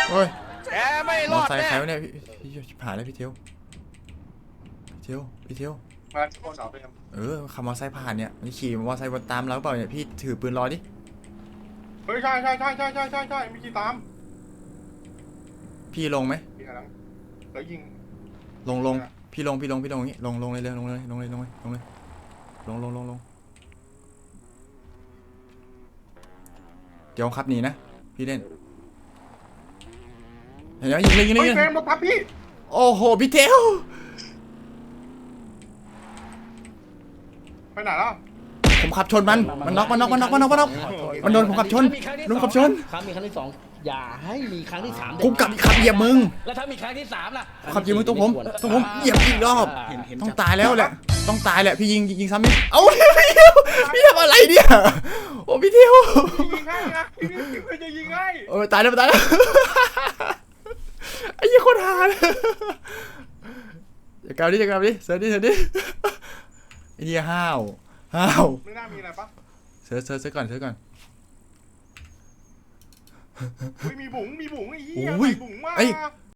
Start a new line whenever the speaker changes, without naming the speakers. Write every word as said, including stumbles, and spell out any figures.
โอ้ย
แกไม่ร
มอ
อด
ไซค์
แน่
ใครวะเนี่ยพี่พี่ชิบหายแล้วพี่เทียวพี่เทียวพี่เทียว
มาโคนเหรอเฟรม
เออขับมอไซค์ผ่านเนี่ยมันขี่มอไซค์วนตามเราเปล่าเนี่ยพี่ถือปืนรอดิ
เฮ้ยใช่ใช่ใช่ใช่ใช่ใช่ใช่มีกี่ตาม
พี่ลงไหม
พี่กำลังแล้วยิง
ลงลงพี่ลงพี่ลงพี่ลงอย่างงี้ลงลงเลยเลยลงเลยลงเลยลงเลยลงเลยลงลงลงลงเดี๋ยวขับหนีนะพี่เล่นเห็นไหมยิงเลยยิงเลย
เฮ้ย
ยิง
เฟ
เล
ร
ย
มรถทับพี่
โอ้โหพี่เทียว
ไปไหนแล้ว
ผมขับชนมันมันน็อกมันน็อกมันน็อกมันน็อกมันน็อกมันโดนผมขับชนโดนขับชน
ครั้งมีครั้งที่สองอย่าให้มีครั้งที่สาม
กูกลับขับเหยียบมึง
แล้วถ้ามีครั้งที่สามล่ะ
ขับเหยียบมึงตรงผมตรงผมเหยียบอีกรอบต้องตายแล้วแหละต้องตายแหละพี่ยิงยิงซ้ำนี่เอ้าพี่เทียวพี่ทำอะไรเนี่ยโอ้พี่เทียว
ยิงให้นะพี่พี่จะยิงให้
โอ้ยตายแล้วตายแล้วไอ้ยี่คนหาเลยจะกลับดิจะกลับดิเสิร์ชดิเสิร์ชดิไอ้ยี่ห้าวห้าว
ไม่น่ามีอะไรปะ
เสิร์ชเสิร์ชเสิร์ชก่อนเสิร์ชก่อน
อุ้ยมีบุ๋งมีบุ๋งไอ้เหี้ย
อุ้ย
ใส่บุ๋งมา
เอ้ย